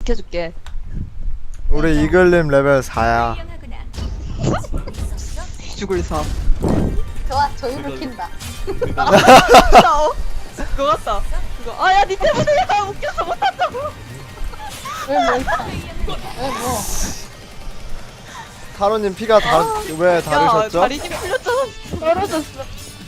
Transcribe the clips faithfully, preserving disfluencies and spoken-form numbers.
지켜줄게. 우리 이글님 레벨 사야. 죽을 사. 좋아, 조이를 킨다. 아, 어? 그거 같다. 그거. 아야 니 때문에 야 웃겨서 못한다고. 왜 뭐 있어? 왜 뭐? 타로님 피가 다 왜 야 다르셨죠? 다리 힘 풀렸잖아. 떨어졌어.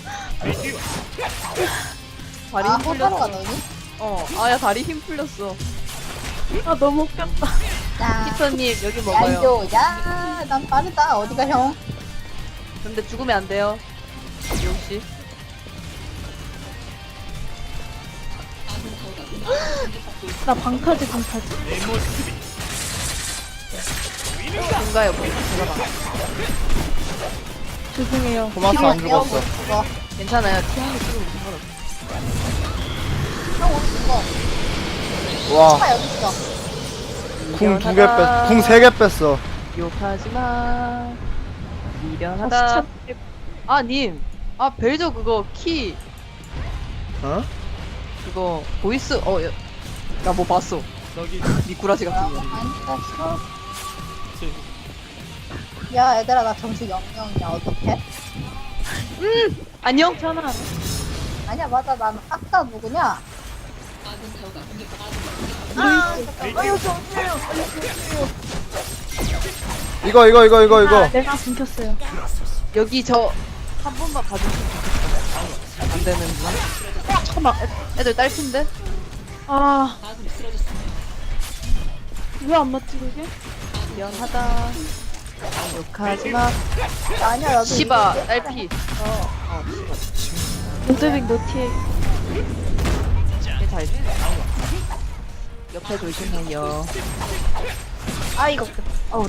다리 아, 힘 호타로가 풀렸어. 너니? 어. 아야 다리 힘 풀렸어. 아 너무 웃겼다. 야, 피터님 여기 야, 먹어요. 이거, 야, 난 빠르다. 어디가 형? 근데 죽으면 안 돼요. 역시. 나 방타지 방타지. 뭔가요? 제가 봐. 죄송해요. 토마스 안 죽었어. 죽어. 괜찮아요. 티한개 찍으면 상관없어. 형 어디 있어? 와, 차 여기 있어. 궁 두 개 뺐, 궁 세 개 뺐어. 욕하지 마. 아, 미련하다. 진짜 아, 님. 아, 벨저 그거 키 어? 그거 보이스 어, 나 뭐 봤어. 미꾸라지 같은 거. 안 땄어. 야, 얘들아, 나 점수 영영이야. 어떡해? 안녕. 괜찮아. 아니야, 맞아. 난 아까 누구냐? 아, 잠깐만. 아유, 정수요. 이거 이거 이거 이거 아, 이거. 내가 숨겼어요. 여기 저 한 번만 봐주시면 좋겠어. 안 되는구나. 어, 잠깐만. 애들 딸핀데? 아. 왜 안 맞지 그게? 미안하다. 욕하지 마. 아니야, 나도. 시바 이거 딸피. 어, 어. 로드빅 노티에 얘 잘. 옆에 조심해요. 아, 이거. 어우,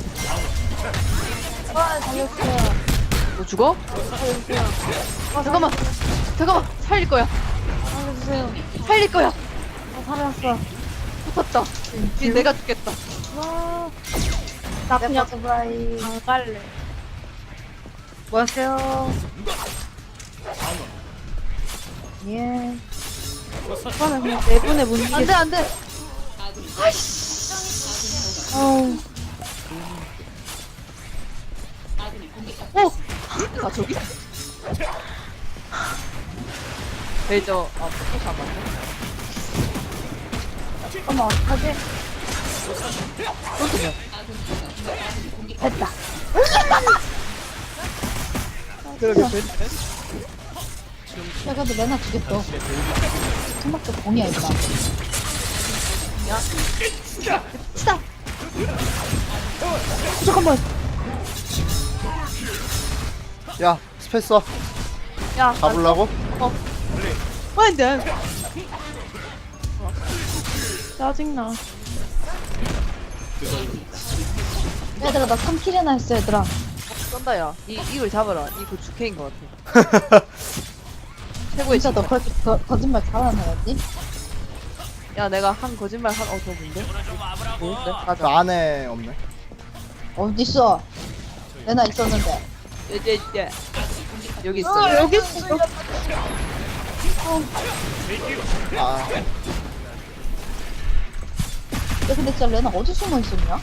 아, 살렸어. 너 죽어? 아, 잠깐만. 잠깐만. 살릴 거야. 살려주세요. 살릴 거야. 아, 살았어. 붙었다. 이제 내가 죽겠다. 와. 나 내 그냥 버터브라이. 안 갈래. 뭐 하세요? 예. 이거는 그냥 내분에 못 안 돼, 이기겠어. 안 돼. 어우. 오! 나 저기. 벨저, 아, 포커스 안 맞네. 어머, 어떡하지? 쏘면. 됐다. 그러게, 벨저. 야, 그래도 레나 죽였어. 토마토 공이야, 일단. 야. 치다! 잠깐만. 야, 스페이서 야, 잡으려고? 어. 안 돼. 짜증나. 얘들아, 나 삼 킬이나 했어, 얘들아. 쏜다, 야. 이, 이걸 잡아라. 이거 주캐인 것 같아. 최고의 진짜 너 진짜. 그렇게 거, 거짓말 잘하는 애였니? 야, 내가 한 거짓말 한, 어, 저 뭔데? 뭐였대? 그 맞아. 안에 없네. 어딨어? 레나 있었는데. 이제, 이제. 여기 있어. 어, 여기 있어. 여기. 아, 야, 근데 진짜 레나 어디 숨어 있었냐?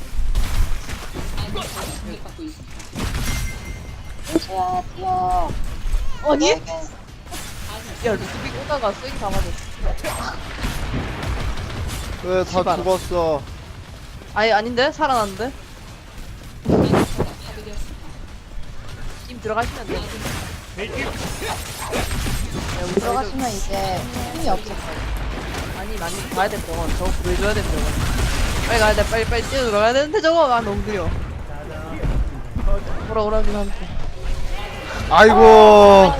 루시야, 뛰어. 아니? 너에게 야, 루스빅 오다가 쐐기 다 맞았어. 왜 다 씨발. 죽었어? 아니, 아닌데? 살아났는데? 팀 들어가시면 돼. 야, 우리 들어가시 들어가시면 이제 힘이 없을 거야. 아니, 많이 가야 돼, 병원. 저거 구해줘야 돼, 병원. 빨리 가야 돼, 빨리, 빨리 뛰어 들어가야 되는데, 저거. 아, 너무 느려. 오라, 오라긴 한데. 아이고.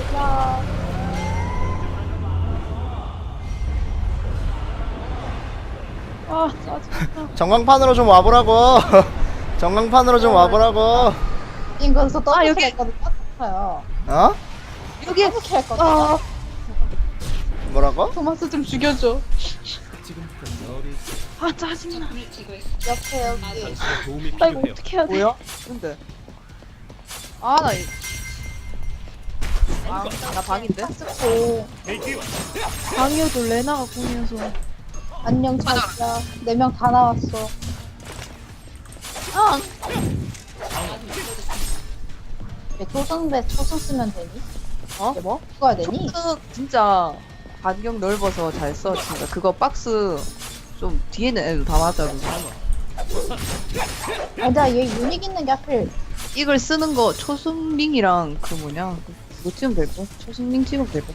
아 짜증나. 전광판으로 좀 와보라고. 전광판으로 좀 와보라고. 인건서 아, 여기. 떠먹게 했거든. 아파요. 어? 여기 이렇게 했거든. 아, 뭐라고? 토마스 좀 죽여줘. 아 짜증나. 옆에 여기. 나 이거 어떻게 해야 돼? 뭐야? 근데. 아, 나, 이... 아, 나 방인데? 오. 방이어도 레나가 공이어서. 안녕 자기야. 네 명 다 나왔어. 아, 왜 초승배 초승 쓰면 되니? 어? 뭐? 죽어야 되니? 초크 진짜 반경 넓어서 잘 써. 진짜 그거 박스 좀 뒤에는 애도 다 맞아. 그거. 아니다 얘 유닉 있는 게 하필 이걸 쓰는 거 초승링이랑 그 뭐냐 그거 찍으면 될 거. 초승링 찍으면 될 거.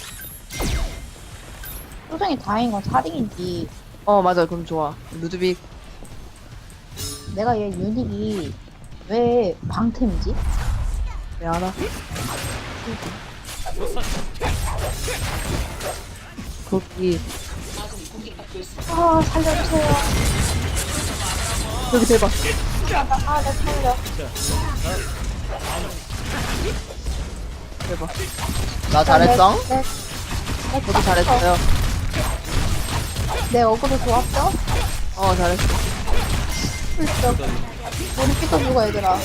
초승이 다행인 건 사링인지 어 맞아. 그럼 좋아. 루드빅. 내가 얘 유닉이 왜 방템이지? 왜 알아? 거기 아 살려주세요. 여기 대박. 아나 살려. 대박. 나 잘했어? 내, 내, 내 저도 잘했어요. 내 어그로 좋았죠? 어 잘했어. 불쩍. 우리 피터 누가 얘들아.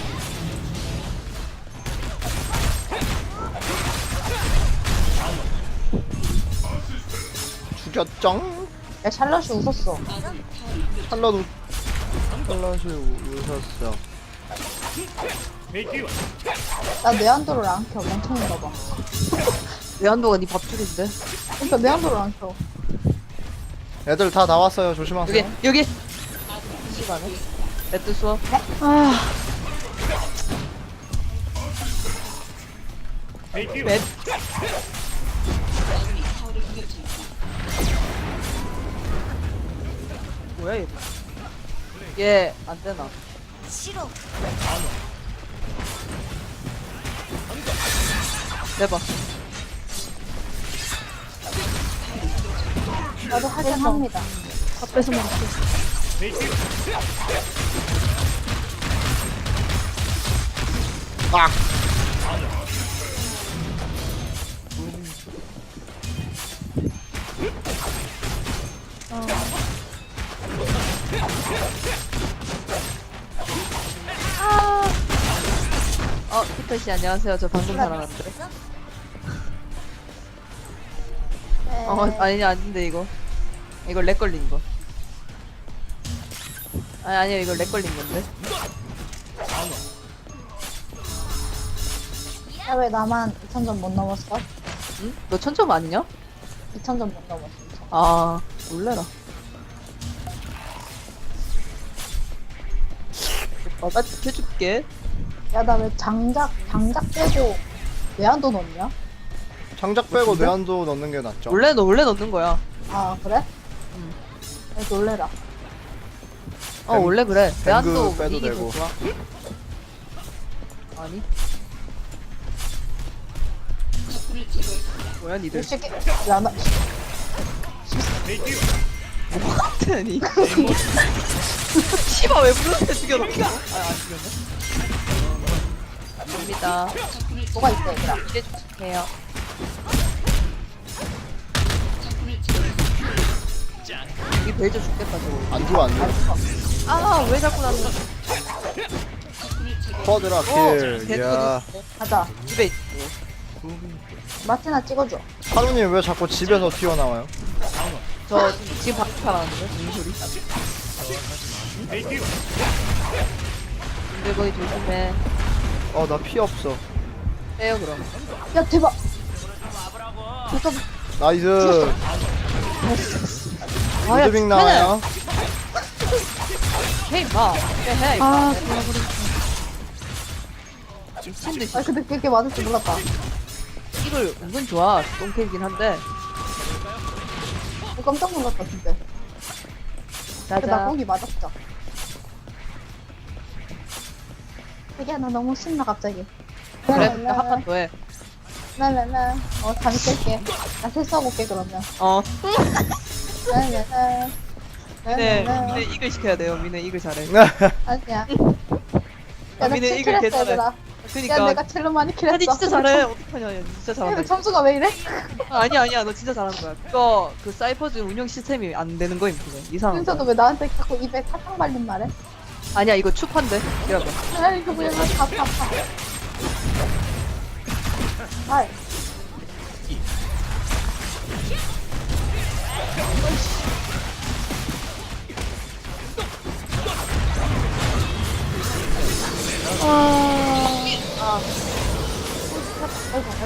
죽였쩡? 야 샬럿이 웃었어. 샬럿 우... 샬럿이 우- 웃었어. 나 내한도를 안 켜. 멍청인가 봐. 외환도가 네 밥줄인데. 그러니까 내한도를 안 켜. 애들 다 나왔어요. 여기 조심하세요. 여기. 시간에. 레드 수업. 아 맵. 뭐야 얘? 얘 안되나? 싫어. 대박. 나도 하긴 합니다. 앞에서 먹지. 아! 어 피터씨 안녕하세요. 저 방금 살아났는데. 네. 어 아니 아닌데 이거. 이거 렉 걸린 거. 아니 아니요 이거 렉 걸린 건데. 야, 왜 나만 이천 점 못 넘었어? 응? 너 천점 아니냐? 이천 점 못 넘었어. 이천. 아 놀래라. 오빠가 지켜줄게. 야, 나 왜 장작, 장작 빼고 외환도 넣냐? 장작 빼고 뇌한도 넣는 게 낫죠. 원래 너 원래 넣는 거야. 아, 그래? 응. 야, 놀래라. 어 뱅- 원래 그래. 뱅그 외환도 빼도 이기 더 되고. 좋아. 아니. 뭐야 이 니들? 새끼, 야, 나, 뭐 같으니? 씨발 왜 부르는데 죽여놓고? 아안 죽였네. 갑니다. 뭐가 있어, 얘들아. 이제 주세요. 이 벨저 죽겠다 저거. 안 죽어 안 죽어. 아 왜 자꾸 나는? 퍼드라 어, 킬. 개도 이야. 가자. 집에 있고. 마티나 찍어줘. 하루님 왜 자꾸 집에서 튀어나와요? 저 지금 밖에 살았는데 무슨 소리? 근데 거기 조심해. 어 나 피 없어. 빼요 그럼. 야, 대박. 잠깐, 나이스. 아야 루드빅 나와요. 헤이 마. 해. 아, 미친 듯이. 아, 근데 그렇게 맞을 줄 몰랐다. 이걸 은근 좋아. 똥캐이긴 한데. 어, 깜짝 놀랐다, 진짜. 근데 나 자자. 거기 맞았죠. 자기야, 나 너무 신나, 갑자기. 그래 한판 더 해. 랄랄라. 어, 잠이 깰게. 나 세수하고 올게, 그러면. 어. 랄랄라. 미네 랄랄라. 미네 이글 시켜야 돼요. 미네 이글 잘해. 아니야. 아, 야, 나 미네 킬 이글 킬했어, 개잘해. 얘들아. 야, 그니까. 내가 킬로 많이 킬했어. 아니 진짜 잘해. 어떡하냐. 얘 진짜 근데 잘한다. 점수가 왜 이래? 아, 아니야 아니야. 너 진짜 잘하는 거야. 그거 그 사이퍼즈 운영 시스템이 안 되는 거임 그거. 이상한 윤서도 거. 왜 나한테 자꾸 입에 사탕 발린 말해? 아니야 이거 추판데. 기다려봐. 아, 이거 뭐야, 다, 다, 다. 아,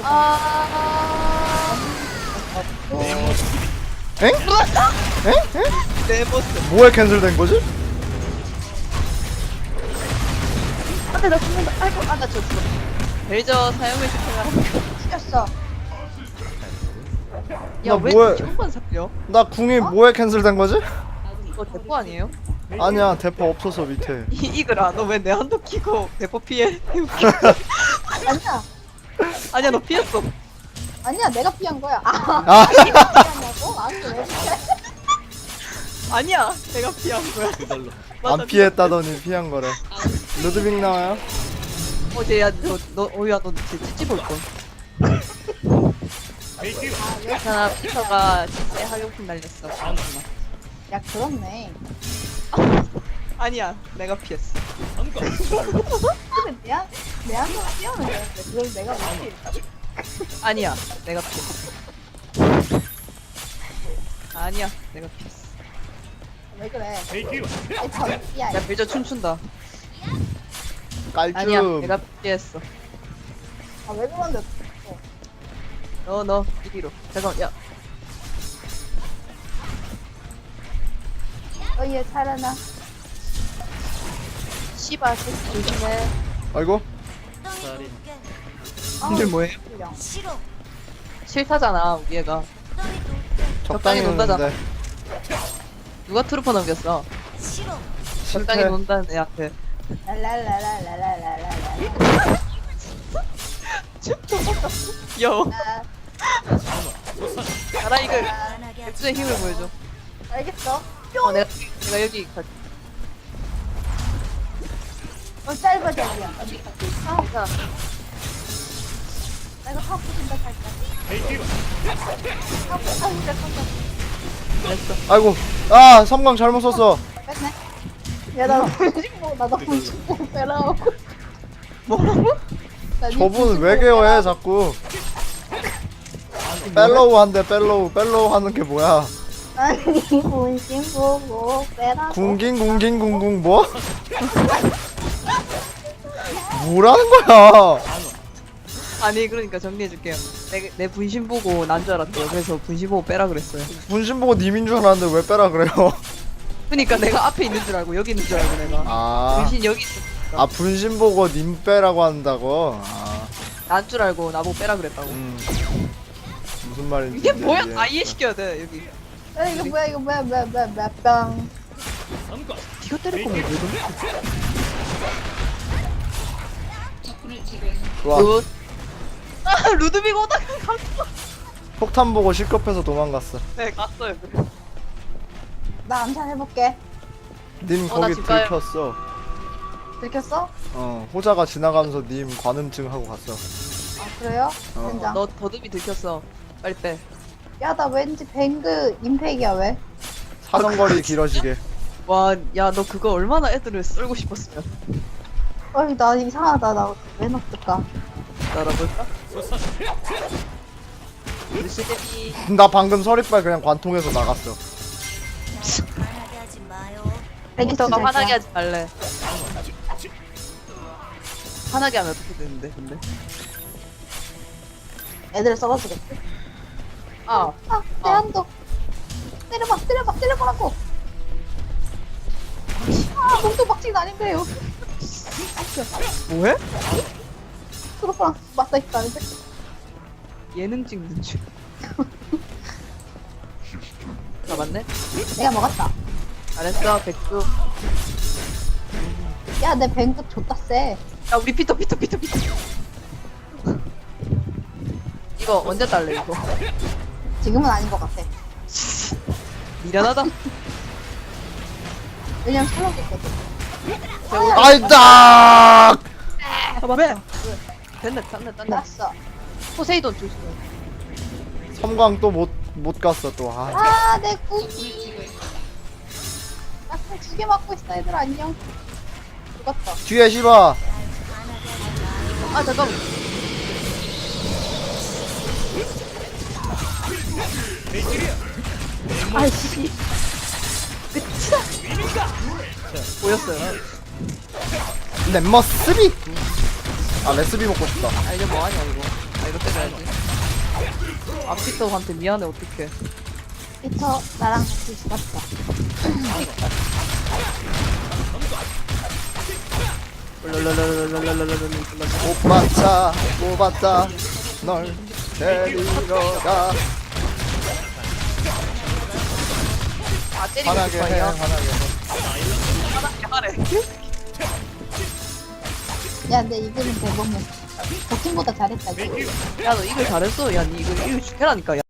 아. 엥? 엥? 엥? 내 모습. 뭐에 캔슬된 거지? 안돼 나 죽는다. 아이고 아나 졌어. 벨저 사용의 시켜가. 죽였어. 나 야왜 뭐해? 저번 살려? 나 궁이 뭐에 캔슬된 거지? 이거 대포 아니에요? 아니야 대포 없어서 밑에. 이 이글아 너 왜 내 한도 키고 대포 피해? 아니야. 아니야 너 피했어. 아니야, 내가 피한 거야. 아, 아 피하냐고? 아, 왜 피해? 아니야 내가 피한 거야. 맞아, 안 피했다더니 피한 거래. 루드빅 나와요? 어제 야너너 어야 너 진짜 찌찌 볼 걸. 괜찮아 피터가 진짜 학용품 날렸어. 야, 그렇네. 아니야 내가 피했어. 근데 내 한, 내 한번 피하면 되는데, 그걸 내가 못 피해. 아니야 내가 피했어. 아니야 내가 피했어. 왜 그래? 아이, 덤비야. 야 벨저 춤춘다. 깔끔. 아니야 내가 피했어. 아, 왜 그런데? 너 너 이리로. 잠깐 야 어, 얘 살아나. 씨발 새끼 조심해. 아이고 오늘 뭐예요? 그냥. 싫다잖아 우리 애가. 적당히 적당히 논다잖아. 노는데 누가 트루퍼 넘겼어? 적당히 실패. 논다는 애한테. 랄랄랄랄랄랄랄랄라. 귀여워. 아, 가라 이글. 백수의 힘을 보여줘. 알겠어. 어 내가 내가 여기 갈게. 어, 짧아져야. 아, 괜찮아. 나 이거 하고 싶다 살까. 하고, 아, 진짜 깜짝 됐어. 아이고 아 섬광 잘못 썼어. 뺐네. 야, 나 분신보, 나도 분신보 빼라고. 뭐라고? 나 니 저분 분신보 왜 개어해 빼라고. 자꾸. 펠로우 한대 펠로우 펠로우 하는 게 뭐야? 아니, 분신보고 빼라고. 궁긴 궁긴 궁궁 뭐? 뭐라는 거야? 아니 그러니까 정리해줄게요. 내, 내 분신 보고 난 줄 알았대요. 그래서 분신 보고 빼라 그랬어요. 분신 보고 님인 줄 알았는데 왜 빼라 그래요? 그러니까 내가 앞에 있는 줄 알고 여기 있는 줄 알고 내가. 아, 분신 여기 있으니까. 아 분신 보고 님 빼라고 한다고? 아, 난 줄 알고 나보고 빼라 그랬다고. 음. 무슨 말인지 이게 뭐야? 이해. 다 이해시켜야 돼 여기. 야, 이거 뭐야, 이거 뭐야, 뭐야, 뭐야, 뭐야, 빵. 네가 때릴 거면 왜 그래? 좋아. 굿. 아 루드빅 오다가 갔어. 폭탄 보고 실컷해서 도망갔어. 네 갔어요. 그래. 나 암살해볼게. 님 어, 나 거기 집 가요. 들켰어. 들켰어? 어, 호자가 지나가면서 님 관음증 하고 갔어. 아, 그래요? 어. 된장. 너 더듬이 들켰어. 빨리 빼. 야, 나 왠지 뱅그 임팩이야, 왜? 사정거리 길어지게. 와, 야, 너 그거 얼마나 애들을 썰고 싶었으면. 어이, 나 이상하다. 나 왜 넣었을까? 알아볼까? 루시데미. 나 방금 서리빨 그냥 관통해서 나갔어. 컴퓨터가 화나게 하지 말래. 화나게 하면 어떻게 되는데, 근데? 애들 썰어주겠지? 아, 아, 내 아. 한도. 때려봐, 때려봐, 때려보라고. 아, 몸도 박치는 아닌데요. 뭐해? 트로프랑 맞다 있다는데. 예능 찍는 줄. 잡았네? 내가 먹었다. 잘했어, 백수. 야, 내 뱅크 줬다 쎄. 야, 우리 피터, 피터, 피터, 피터. 이거 언제 딸래, 이거? 지금은 아닌 것 같아. 미련하다. 왜냐면 살려줬거든. 아이다! 봐봐, 왜? 됐네, 됐네, 됐네. 났어. 포세이돈 조심해. 섬광 또 못 못 갔어 또. 아, 아, 내 꿈이. 나두개 맞고 있어, 얘들아. 안녕. 죽었어. 뒤에 씹어. 아, 잠깐만. 아이씨. 끝이다. 보였어요. 내 머스비. 아 레스비 먹고 싶다. 아, 이제 뭐하냐, 이거. 내가 때려야지. 아피터한테 미안해 어떡해. 피터 나랑 같이 죽었다. 오빠차 뽑았다 널 데리러 가 아 때리고 화나게 해 싶어요. 화나게 해 하래. 야, 근데 이글은 대범해. 버킹보다 잘했다, 이거. 야너 이글 잘했어. 야니 이글 이글 죽여라니까. 야.